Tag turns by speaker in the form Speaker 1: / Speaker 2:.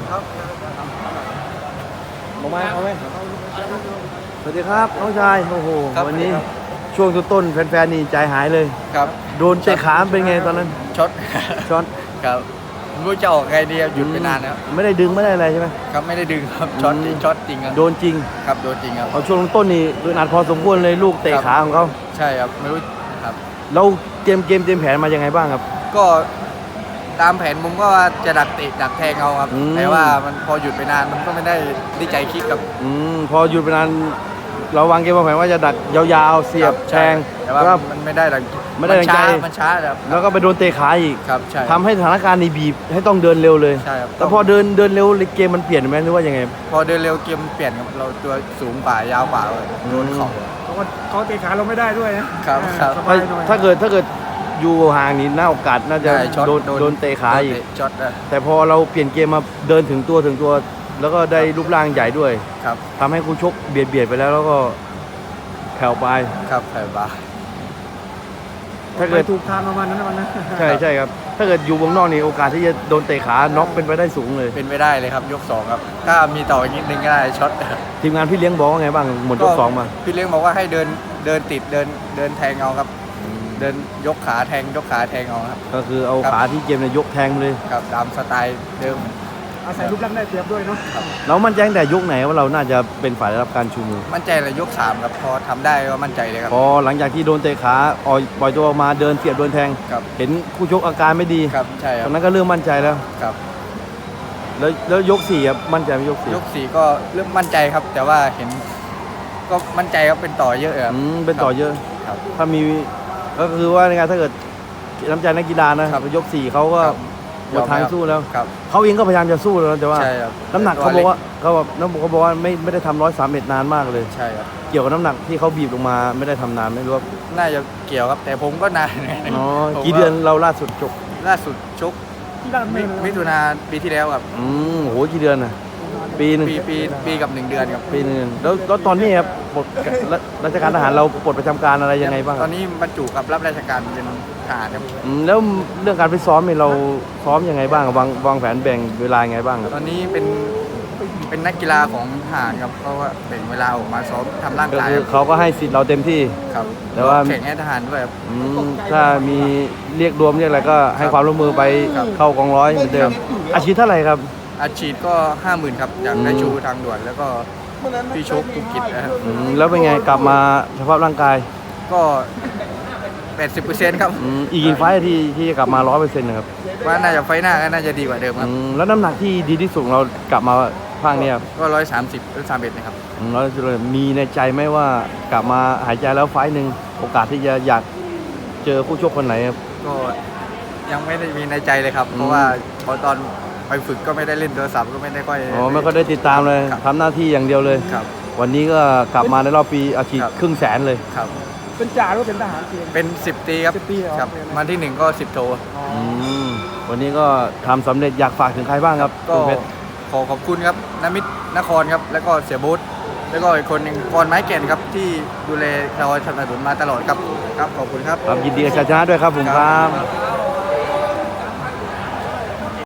Speaker 1: เอาไหมสวัสดีครับน้องชายโอ้โหวันนี้ช่วงต้นๆแฟนๆนี่ใจหายเลย
Speaker 2: ครับ
Speaker 1: โดนเตะขาเป็นไงตอนนั้น
Speaker 2: ช็อต
Speaker 1: ช็อต
Speaker 2: ครับไม่รู้จะออกไงดีหยุดไปนานแล้ว
Speaker 1: ไม่ได้ดึงไม่ได้อะไรใช่ไหม
Speaker 2: ครับไม่ได้ดึงครับช็อตจริงครับ
Speaker 1: โดนจริง
Speaker 2: ครับโดนจริงครับ
Speaker 1: เอาช่วงต้นนี่โดนอัดพอสมควรเลยลูกเตะขาของเขา
Speaker 2: ใช่ครับไม่รู้ครับ
Speaker 1: เราเตรียมแผนมายังไงบ้างครับ
Speaker 2: ก็ตามแผนผมก็ว่าจะดักเตะดักแทงเอาครับแต่ว่ามันพอหยุดไปนานมันก็ไม่ได้ใจคิดครับ
Speaker 1: พอหยุดไปนานเราวางเกมวางแผนว่าจะดักยาวๆเสียบแทง
Speaker 2: แต่ว่ามันไม่ได้ดังใจมันช้า
Speaker 1: แล้วก็ไปโดนเตะขาอีก
Speaker 2: ครับใช่
Speaker 1: ทำให้สถานการณ์นี้บีบให้ต้องเดินเร็วเลย
Speaker 2: ใช่ครับ
Speaker 1: แต่พอเดินเร็วเกมมันเปลี่ยนไหมหรือว่ายังไง
Speaker 2: พอเดินเร็วเกมเปลี่ยนครับเราตัวสูงกว่ายาวกว่าโดน
Speaker 3: เขาเตะขาเราไม่ได้ด้วยนะครับ
Speaker 1: ถ้าเกิดอยู่ห่างนี่น่าโอกาสน่าจะโดนเตะขาอีก
Speaker 2: ช็อต
Speaker 1: แต่พอเราเปลี่ยนเกมมาเดินถึงตัวแล้วก็ได้รูปร่างใหญ่ด้วย
Speaker 2: ครับ
Speaker 1: ทำให้คู่ชกเบียดไปแล้วก็แผ่วไป
Speaker 2: ครับแผ่วไป
Speaker 3: ถ้าเกิดถูกทางประมาณนั้นวันนั้น
Speaker 1: ใช่ครับถ้าเกิดอยู่วงนอกนี่โอกาสที่จะโดนเตะขาน็อกเป็นไปได้สูงเลย
Speaker 2: เป็นไปได้เลยครับยก2ครับถ้ามีต่ออีกนิดนึงก็ได้ช็อต
Speaker 1: ทีมงานพี่เลี้ยงบอกว่าไงบ้างหมดยก2มา
Speaker 2: พี่เลี้ยงบอกว่าให้เดินติดเดินแทงเอาครับเดินยกขาแทงเอาครับ
Speaker 1: ก็คือเอาขาที่เกมเนี่ยยกแทงเลย
Speaker 2: ครับตามสไตล์เดิม
Speaker 3: อาศัยรูปร่างได้เปรียบด้วยเนาะ
Speaker 1: เรามั่นใจตั้งแต่ยกไหนว่าเราน่าจะเป็นฝ่ายได้รับการชูมือ
Speaker 2: มั่นใจเลยยก3ครับพอทำได้ก็มั่นใจเลยครับ
Speaker 1: พอหลังจากที่โดนเตะขาปล่อยตัวออกมาเดินเสียบโดนแทงเห็นคู่ชกอาการไม่ดี
Speaker 2: ครับใช่ครับ
Speaker 1: ตอนนั้นก็เริ่มมั่นใจแล้ว
Speaker 2: ครับ
Speaker 1: แล้วยก4ครับมั่นใจไหม
Speaker 2: ยก4ก็เริ่มมั่นใจครับแต่ว่าเห็นก็มั่นใจครับเป็นต่อเยอะครับ
Speaker 1: เป็นต่อเยอะ
Speaker 2: ครับ
Speaker 1: ถ้ามีก็คือว่าในการถ้าเกิดน้ำใจนักกีฬานะยก4เขาก็หมดทางสู้แล้วเขาเองก็พยายามจะสู้แล้วแต่ว่าน้ำหนักเขาบอกว่าไม่ได้ทำ131นานมากเลย
Speaker 2: ใช่ครับ
Speaker 1: เกี่ยวกับน้ำหนักที่เขาบีบลงมาไม่ได้ทำนานไม่รู้ว่า
Speaker 2: น่าจะเกี่ยวครับแต่ผมก็นาน
Speaker 1: กี่เดือนเราล่าสุดชก
Speaker 2: มิถุนาปีที่แล้วครับ
Speaker 1: โหกี่เดือนน่ะปีนึง
Speaker 2: ปีกับ1 เดือนครับ
Speaker 1: ปีนึงแล้วตอนนี้ครับปลดราชการทหารเราปลดประจำการอะไรยังไงบ้าง
Speaker 2: ตอนนี้บรรจุกับรับราชการเป็นทหารครับ
Speaker 1: แล้วเรื่องการไปซ้อมเนี่ยเราซ้อมยังไงบ้างวางแผนแบ่งเวลายังไงบ้าง
Speaker 2: ตอนนี้เป็นนักกีฬาของทหารครับเพราะว่าแบ่งเวลาออกมาซ้อมทำร่างกาย
Speaker 1: เขาก็ให้สิทธิ์เราเต็มที่
Speaker 2: ครับ
Speaker 1: แต่ว่า
Speaker 2: แข่งให้ทหารด้วยครับ
Speaker 1: ถ้ามีเรียกรวมเรียกอะไรก็ให้ความร่วมมือไปเข้ากองร้อยเหมือนเดิมอาชีพเท่าไหร่ครับ
Speaker 2: อาชีพก็ 50,000ครับจากนายชูทางด่วนแล้วก็พี่ชกธุรกิจนะครับ
Speaker 1: แล้วเป็นไงกลับมาสภาพร่างกาย
Speaker 2: ก็80%ครับ
Speaker 1: อีกกี่ไฟที่จะกลับมา 100% นะครับ
Speaker 2: ว่าน่าจะไฟหน้าก็น่าจะดีกว่าเดิมครับ
Speaker 1: แล้วน้ำหนักที่ดีที่สุดเรากลับมาภาคนี้ครับ
Speaker 2: ก็130 131นะครับ
Speaker 1: มีในใจไหมว่ากลับมาหายใจแล้วไฟนึงโอกาสที่จะอยากเจอคู่ชกคนไหนครับ
Speaker 2: ก็ยังไม่ได้มีในใจเลยครับเพราะว่าตอนไปฝึกก็ไม่ได้เล่นโทรศัพท์ก็ไม่ได้ค่อย
Speaker 1: ไม่ก็ได้ติดตามเลยทำหน้าที่อย่างเดียวเลยวันนี้ก็กลับมาในรอบปีอาชีพ500,000เลย
Speaker 3: เป็นจ่าหรือเป็นทหาร
Speaker 2: เป็น10 ปีครับครับวันที่1ก็10 โท
Speaker 1: วันนี้ก็ทำสำเร็จอยากฝากถึงใครบ้างครับ
Speaker 2: ก็ขอขอบคุณครับนมิตรนครครับแล้วก็เสียบูธแล้วก็อีกคนหนึ่งกรไม้แก่นครับที่ดูแลเราสนับสนุนมาตลอดครับขอบคุณครับ
Speaker 1: ยินดีกับชัยชนะด้วยครับผมครับ